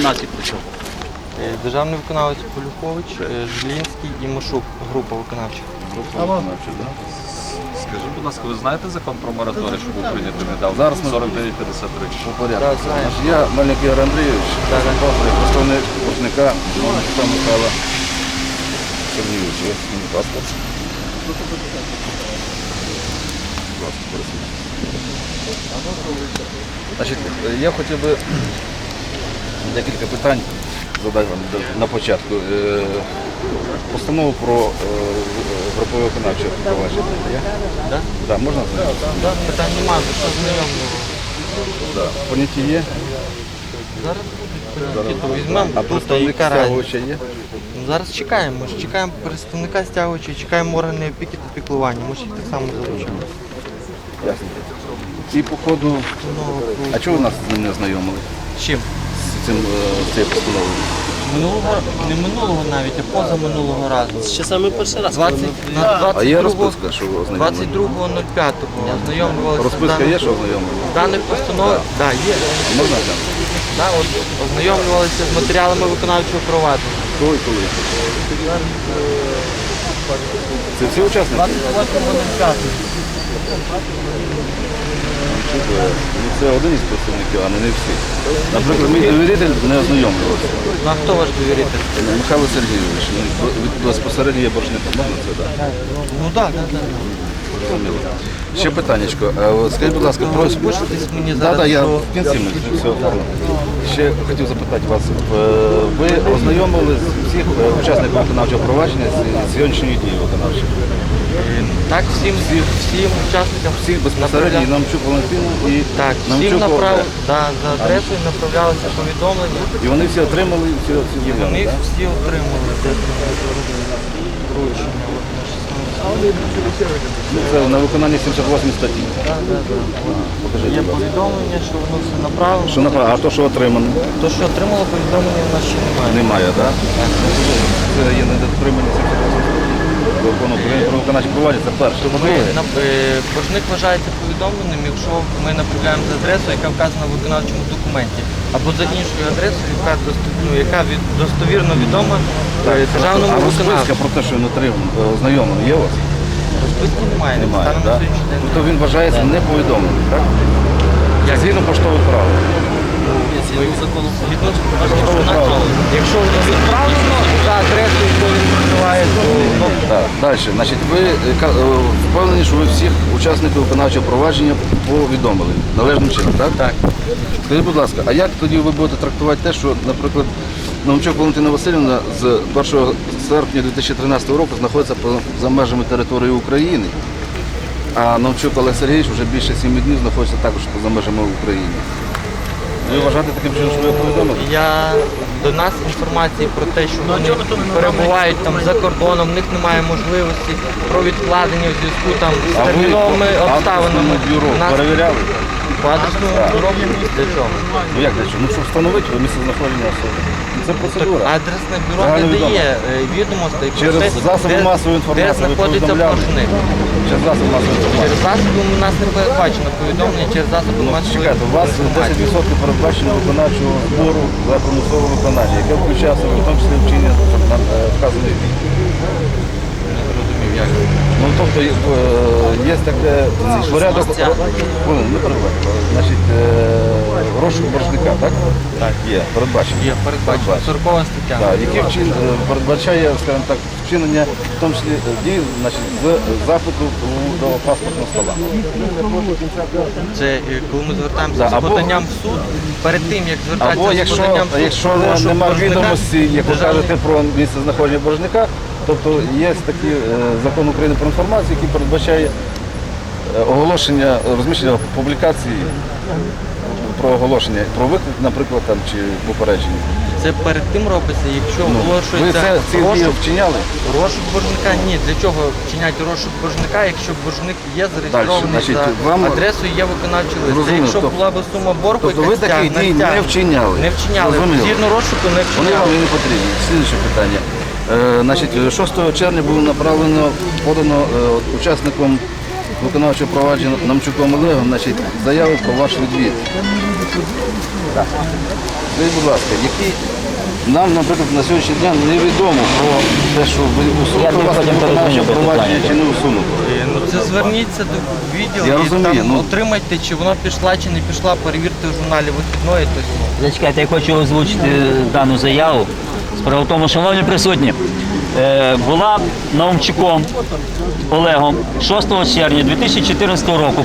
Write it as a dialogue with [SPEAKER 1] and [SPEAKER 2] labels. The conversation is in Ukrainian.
[SPEAKER 1] виконавці при чому?
[SPEAKER 2] Державний виконавець Полюхович, Жилінський і Машук, група виконавчих.
[SPEAKER 3] Скажіть, будь ласка, ви знаєте закон про мораторій, що був прийнятий недавно? Зараз 4953.
[SPEAKER 4] По порядку. Я Мельник Ігор Андрійович, представник боржника Михайла Сергійовича. Ось мій паспорт. Значить, я хотів би декілька питань задати вам на початку. Постанову про групове виконавче провадження.
[SPEAKER 2] Так?
[SPEAKER 4] Так, можна?
[SPEAKER 2] Так, питань немає, що знайомого.
[SPEAKER 4] Так. Поняття є?
[SPEAKER 2] Зараз будуть поняття, візьмемо
[SPEAKER 4] А
[SPEAKER 2] тут і
[SPEAKER 4] представник
[SPEAKER 2] караємо.
[SPEAKER 4] стягувача є?
[SPEAKER 2] Зараз чекаємо, ми ж чекаємо представника стягувача, чекаємо органи опіки та піклування, ми ж їх так само залучимо.
[SPEAKER 4] Ясно. І по ходу, а чого ви нас з ним не знайомили?
[SPEAKER 2] З чим?
[SPEAKER 4] З цією постановою?
[SPEAKER 2] Не минулого навіть, а позаминулого разу.
[SPEAKER 1] Ще саме перший раз.
[SPEAKER 2] 20, на
[SPEAKER 4] А є
[SPEAKER 2] 22,
[SPEAKER 4] розписка, що ви ознайомили?
[SPEAKER 2] 22.05 ознайомлювалися.
[SPEAKER 4] Розписка є, що ознайомили?
[SPEAKER 2] Даних постанов, так, є.
[SPEAKER 4] Можна там?
[SPEAKER 2] Да, от, ознайомлювалися з матеріалами виконавчого провадження.
[SPEAKER 4] Хто і коли? Це всі учасники?
[SPEAKER 2] 28.05.
[SPEAKER 4] Це один із представників, а не всі. Наприклад, мій довіритель не ознайомлювався.
[SPEAKER 2] Ну а хто ваш довіритель?
[SPEAKER 4] Михайло Сергійович, безпосередньо є боржником. Можна це, так?
[SPEAKER 2] Ну так, так.
[SPEAKER 4] Зрозуміло. Ще питаннячко. Скажіть, будь ласка, про...
[SPEAKER 2] Розпишитесь мені зараз.
[SPEAKER 4] Так, я
[SPEAKER 2] про-
[SPEAKER 4] в кінці ми все оформимо. Ще хотів запитати вас. Ви ознайомили всіх учасників виконавчого провадження з сьогоднішньої дії виконавчої?
[SPEAKER 2] Так, всім учасникам.
[SPEAKER 4] Всіх безпосередньо і Намчук Валентину і
[SPEAKER 2] Так, всім
[SPEAKER 4] Намчук Олег.
[SPEAKER 2] за адресою направлялися повідомлення.
[SPEAKER 4] І вони всі отримали всі
[SPEAKER 2] І вони
[SPEAKER 4] заяви, так?
[SPEAKER 2] всі отримали вручення.
[SPEAKER 4] Це на виконання 78 статті. Покажіть,
[SPEAKER 2] Є
[SPEAKER 4] будь ласка.
[SPEAKER 2] повідомлення, що воно все направлено.
[SPEAKER 4] Що направо, а то, що отримано?
[SPEAKER 2] То, що отримало повідомлення, в нас ще немає.
[SPEAKER 4] Немає, так? Це є недотримання 78 статті. Закону України про виконавче провадження, це перше.
[SPEAKER 2] Боржник вважається повідомленим, якщо ми направляємо за адресою, яка вказана в виконавчому документі, або за іншою адресою, яка достовірно відома державному
[SPEAKER 4] А розписка
[SPEAKER 2] виконавцю.
[SPEAKER 4] про те, що він отримав, ознайомлений, є у вас?
[SPEAKER 2] Розписки немає,
[SPEAKER 4] Немає,
[SPEAKER 2] станом на
[SPEAKER 4] так?
[SPEAKER 2] сьогоднішній день.
[SPEAKER 4] Тобто він вважається неповідомленим, так?
[SPEAKER 2] Як?
[SPEAKER 4] Згідно поштових правил.
[SPEAKER 2] Якщо воно відправлено за адресою, яку він називає, то
[SPEAKER 4] Так, далі. Значить, ви впевнені, що ви всіх учасників виконавчого провадження повідомили належним чином, так?
[SPEAKER 2] Так.
[SPEAKER 4] Скажіть, будь ласка, а як тоді ви будете трактувати те, що, наприклад, Намчук Валентина Васильівна з 1 серпня 2013 року знаходиться за межами території України, а Намчук Олег Сергійович вже більше 7 днів знаходиться також поза межами України? Ви вважаєте таким чином, що ви повідомили?
[SPEAKER 2] До нас інформації про те, що вони перебувають там за кордоном, в них немає можливості про відкладення в зв'язку там з терміновими обставинами.
[SPEAKER 4] Бюро
[SPEAKER 2] У нас
[SPEAKER 4] перевіряли?
[SPEAKER 2] по адресному бюро для чого?
[SPEAKER 4] Ну як для чого? Ну щоб встановити місце знаходження особи. Ну, це процедура.
[SPEAKER 2] Адресне бюро
[SPEAKER 4] Загально
[SPEAKER 2] не
[SPEAKER 4] відомо.
[SPEAKER 2] дає відомостей про
[SPEAKER 4] Через
[SPEAKER 2] те,
[SPEAKER 4] засоби масової
[SPEAKER 2] де
[SPEAKER 4] інформації ви
[SPEAKER 2] знаходиться
[SPEAKER 4] повідомляли?
[SPEAKER 2] боржник.
[SPEAKER 4] Через засоби масової інформації.
[SPEAKER 2] Через засоби у нас не передбачено повідомлення через засоби
[SPEAKER 4] Ну,
[SPEAKER 2] масової
[SPEAKER 4] чекайте, у вас
[SPEAKER 2] інформації.
[SPEAKER 4] 10% передбачено виконавчого збору за примусове виконання, яке включає в себе в тому числі вчинення вказаних дій.
[SPEAKER 2] Не зрозумів, як.
[SPEAKER 4] Ну, тобто є таке порядок, не передбачено, значить, розшук боржника, так?
[SPEAKER 2] Так.
[SPEAKER 4] Є, передбачено.
[SPEAKER 2] Є передбачено 40 стаття.
[SPEAKER 4] Так, який передбачає, скажімо так, вчинення, в тому числі дій, значить, з запиту до паспортного стола.
[SPEAKER 2] Це коли ми звертаємося
[SPEAKER 4] Да,
[SPEAKER 2] з
[SPEAKER 4] або-
[SPEAKER 2] поданням в суд, перед тим, як звертатися
[SPEAKER 4] Або
[SPEAKER 2] з
[SPEAKER 4] якщо,
[SPEAKER 2] поданням в суд,
[SPEAKER 4] якщо
[SPEAKER 2] прошу
[SPEAKER 4] немає
[SPEAKER 2] боржника,
[SPEAKER 4] відомості, як ви
[SPEAKER 2] державний-
[SPEAKER 4] кажете, про місце знаходження боржника, тобто є такий закон України про інформацію, який передбачає оголошення, розміщення публікації про оголошення, про виклик, наприклад, там, чи попередження.
[SPEAKER 2] Це перед тим робиться, якщо
[SPEAKER 4] Ви
[SPEAKER 2] оголошується
[SPEAKER 4] ці дії
[SPEAKER 2] розшук,
[SPEAKER 4] вчиняли?
[SPEAKER 2] розшук боржника. Ні, для чого вчиняти розшук боржника, якщо боржник є зареєстрований
[SPEAKER 4] значить,
[SPEAKER 2] за
[SPEAKER 4] вам-
[SPEAKER 2] адресою, є виконавчий лист. Це
[SPEAKER 4] Зрозуміло,
[SPEAKER 2] якщо
[SPEAKER 4] тобто-
[SPEAKER 2] була б сума боргу,
[SPEAKER 4] Тобто
[SPEAKER 2] яка
[SPEAKER 4] ви таких дій не вчиняли?
[SPEAKER 2] Не вчиняли.
[SPEAKER 4] Зрозуміло.
[SPEAKER 2] Згідно розшуку не
[SPEAKER 4] Вони вам
[SPEAKER 2] вчиняли.
[SPEAKER 4] і не потрібні. Слідуюче питання. Значить, 6 червня було подано учасником виконавчого провадження Намчуком Олегом, значить, заяву про ваш відвід. Скажіть, будь ласка, які нам, наприклад, на сьогоднішній день невідомо про те, що ви усунути вас виконавче провадження чи не усунути.
[SPEAKER 2] Ну це зверніться до відділу
[SPEAKER 4] Я
[SPEAKER 2] і
[SPEAKER 4] розумію,
[SPEAKER 2] там
[SPEAKER 4] ну.
[SPEAKER 2] отримайте, чи вона пішла, чи не пішла, перевірте в журналі вихідної. Тобто,
[SPEAKER 1] Зачекайте, я хочу озвучити дану заяву. Справа в тому, шановні присутні, була Наумчуком Олегом 6 червня 2014 року